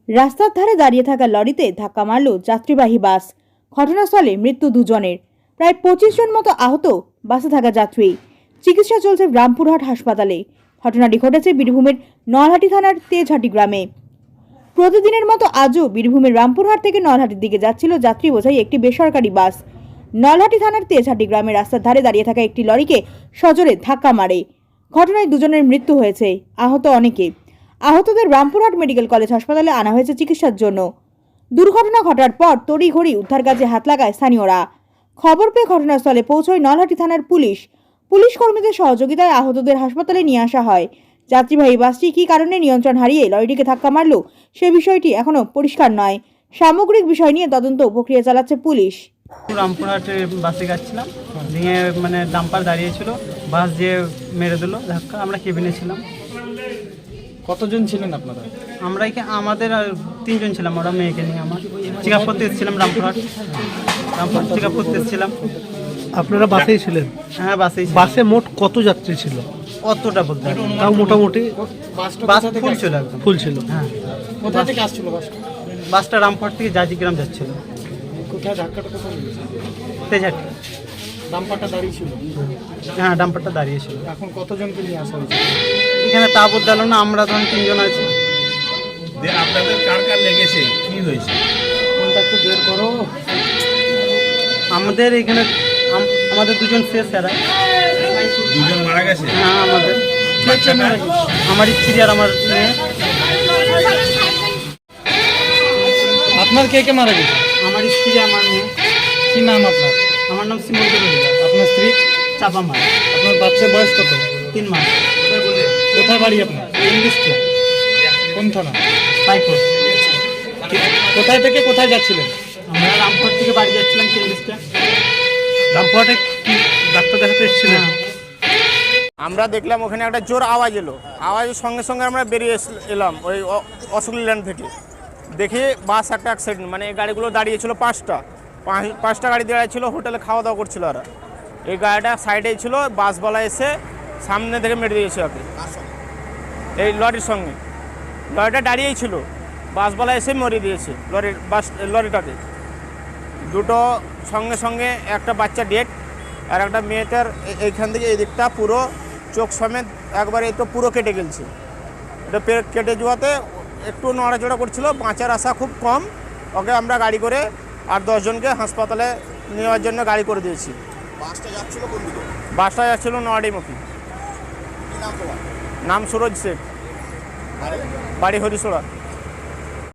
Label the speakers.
Speaker 1: রাস্তার ধারে দাঁড়িয়ে থাকা লরিতে ধাক্কা মারল যাত্রীবাহী বাস। ঘটনাস্থলে মৃত্যু দুজনের, প্রায় 25 জন মতো আহত বাসে থাকা যাত্রী। চিকিৎসা চলছে রামপুরহাট হাসপাতালে। ঘটনাটি ঘটেছে বীরভূমের নলহাটি থানার তেজহাটি গ্রামে। প্রতিদিনের মতো আজও বীরভূমের রামপুরহাট থেকে নলহাটির দিকে যাচ্ছিল যাত্রী বোঝাই একটি বেসরকারি বাস। নলহাটি থানার তেজহাটি গ্রামের রাস্তার ধারে দাঁড়িয়ে থাকা একটি লরিকে সজোরে ধাক্কা মারে। ঘটনায় দুজনের মৃত্যু হয়েছে, আহত অনেকে। আহতদের রামপুরহাট মেডিকেল কলেজ হাসপাতালে আনা হয়েছে চিকিৎসার জন্য। দুর্ঘটনা ঘটার পর তড়িঘড়ি উদ্ধার কাজে হাত লাগায় স্থানীয়রা। খবর পেয়ে ঘটনাস্থলে পৌঁছয় নলহাটি থানার পুলিশ। পুলিশ কর্মীদের সহযোগিতায় আহতদের হাসপাতালে নিয়ে আসা হয়। যাত্রীবাহী বাসটি কী কারণে নিয়ন্ত্রণ হারিয়ে লরিটিকে ধাক্কা মারল সে বিষয়টি এখনো পরিষ্কার নয়। সামগ্রিক বিষয় নিয়ে তদন্ত প্রক্রিয়া চালাচ্ছে পুলিশ।
Speaker 2: রামপুরহাটে বাসে যাচ্ছিলাম, দিয়ে ডাম্পার দাঁড়িয়েছিল, বাস দিয়ে মেরে দিল ধাক্কা। আমরা কেবিনে ছিলাম।
Speaker 3: কতজন ছিলেন আপনারা?
Speaker 2: আমরা আমাদের আর 3 জন ছিলাম, ওরা মেয়েকে নিয়ে। আমার চেক আপ করতে এসেছিলাম, রামপুরহাট চেক আপ করতে এসেছিলাম।
Speaker 4: আপনারা বাসেই ছিলেন?
Speaker 2: হ্যাঁ, বাসেই।
Speaker 4: বাসে মোট কত যাত্রী ছিল?
Speaker 2: অতটা বলতে পারি না।
Speaker 4: তাও মোটামুটি
Speaker 2: বাস ফুল ছিল, একদম
Speaker 4: ফুল ছিল।
Speaker 2: হ্যাঁ।
Speaker 3: কোথা থেকে আসছিল বাসটা?
Speaker 2: বাসটা রামপুরহাট থেকে জাজিগ্রাম যাচ্ছিল।
Speaker 3: কোথায় ধাক্কাটা কোথায় লেগেছে?
Speaker 2: তেজহাটি।
Speaker 3: ডাম্পারটা দাঁড়িয়ে ছিল?
Speaker 2: হ্যাঁ, ডাম্পারটা দাঁড়িয়েছিল।
Speaker 3: এখন কতজনকে নিয়ে আসা হয়েছে?
Speaker 2: এখানে তা বলতে পারলাম না, আমরা ধরুন 3 জন আছি।
Speaker 5: আপনাদের কার কার লেগেছে, কি হয়েছে?
Speaker 3: কোনটা একটু বের করো।
Speaker 2: আমাদের এখানে আমাদের 2 জন শেষ এরা।
Speaker 5: 2 জন মারা গেছে?
Speaker 2: হ্যাঁ, আমাদের আমার স্ত্রী আর আমার মেয়ে।
Speaker 3: আপনার কে কে মারা গেছে?
Speaker 2: আমার স্ত্রী, আমার মেয়ে।
Speaker 3: কি নাম আপনার?
Speaker 2: আমার নাম শ্রীমন্ত মল্লিক।
Speaker 3: আপনার স্ত্রী?
Speaker 2: চাপা মার।
Speaker 3: আপনার বাচ্চার বয়স কত?
Speaker 2: 3 মাস।
Speaker 3: কোথায় বাড়ি আপনার?
Speaker 2: ইংলিশটা
Speaker 3: কোন থানা?
Speaker 2: পাইপুর।
Speaker 3: কোথায় থেকে কোথায় যাচ্ছিলেন?
Speaker 2: আমরা রামপুরহাট থেকে বাড়ি যাচ্ছিলাম, ইংলিশটা।
Speaker 4: রামপুরহাটে কি ডাক্তার দেখাতে এসেছিলেন?
Speaker 6: আমরা দেখলাম ওখানে একটা জোর আওয়াজ এলো। আওয়াজের সঙ্গে সঙ্গে আমরা বেরিয়ে এলাম ওই অশোক ল্যান্ড থেকে। দেখি বাস একটা অ্যাক্সিডেন্ট, এই গাড়িগুলো দাঁড়িয়েছিল 5টা গাড়ি দাঁড়িয়ে ছিল, হোটেলে খাওয়া দাওয়া করছিল ওরা। এই গাড়িটা সাইডেই ছিল, বাসওয়ালা এসে সামনে থেকে মেরে দিয়েছে ওকে, এই লরির সঙ্গে। লরিটা দাঁড়িয়েই ছিল, বাসওয়ালা এসে মরে দিয়েছে লরিটাকে। দুটো সঙ্গে সঙ্গে, একটা বাচ্চা ডেড আর একটা মেয়েটার এইখান থেকে এই দিকটা পুরো চোখ সমেত একবারে তো পুরো কেটে গেছে। এটা কেটে যাওয়াতে একটু নড়াচড়া করছিল, বাঁচার আশা খুব কম। ওকে আমরা গাড়ি করে আর 10 জনকে হাসপাতালে নেওয়ার জন্য গাড়ি করে দিয়েছি।
Speaker 7: বাসটা যাচ্ছিল কোন দিকে?
Speaker 6: বাসটা যাচ্ছিল নয়াডিমুখী।
Speaker 7: কি নাম তোমার?
Speaker 6: নাম সুরজ শেখ, বাড়ি হরিশোড়া।